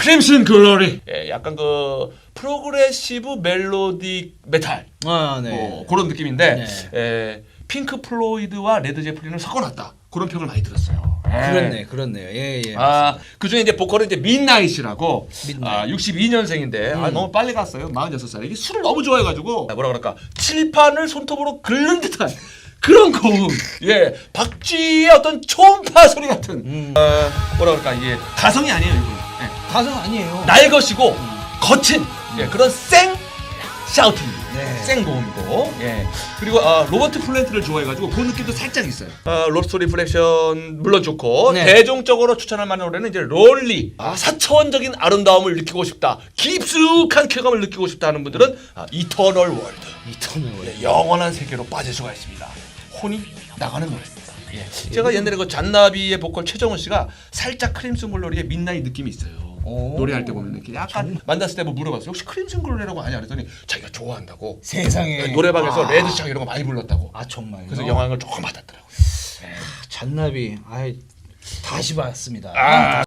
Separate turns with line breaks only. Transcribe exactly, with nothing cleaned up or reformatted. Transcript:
크림슨 글로리. 예, 약간 그 프로그레시브 멜로디 메탈.
아, 네.
뭐 그런 느낌인데
네.
예, 핑크 플로이드와 레드 제플린을 섞어놨다. 그런 평을 많이 들었어요. 예.
그렇네, 그렇네요. 예, 예.
아, 그 중에 이제 보컬은 이제 민나잇이라고
민나잇.
아, 육십이 년생인데
음.
아, 너무 빨리 갔어요. 마흔여섯 살에. 이게 술을 너무 좋아해가지고 아, 뭐라 그럴까 칠판을 손톱으로 긁는 듯한 그런 고음. 예, 박쥐의 어떤 초음파 소리 같은
음.
어, 뭐라 그럴까 이게 가성이 아니에요 이거. 예.
가성 아니에요.
날 것이고 거친 예, 그런 생 샤우팅,
네.
생 고음이고, 예. 그리고 아, 로버트 플랜트를 좋아해가지고 그 느낌도 살짝 있어요. 아, 로스트 리플렉션 물론 좋고
네.
대중적으로 추천할 만한 노래는 이제 롤리. 아, 사차원적인 아름다움을 느끼고 싶다, 깊숙한 쾌감을 느끼고 싶다 하는 분들은 아, 이터널 월드,
이터널 월드.
예, 영원한 세계로 빠질 수가 있습니다. 혼이 나가는 노래입니다. 예. 제가 옛날에 그 잔나비의 보컬 최정훈 씨가 살짝 크림슨 글로리의 민나잇 느낌이 있어요.
오.
노래할 때 보면 이렇게 약간 만났을 때 뭐 물어봤어요. 혹시 크림슨 글로리라고 아냐 그랬더니 자기가 좋아한다고.
세상에.
노래방에서
아.
레드창 이런 거 많이 불렀다고.
아, 정말요?
그래서 영향을 조금 받았더라고요.
잔나비. 아이, 다시 봤습니다.
아.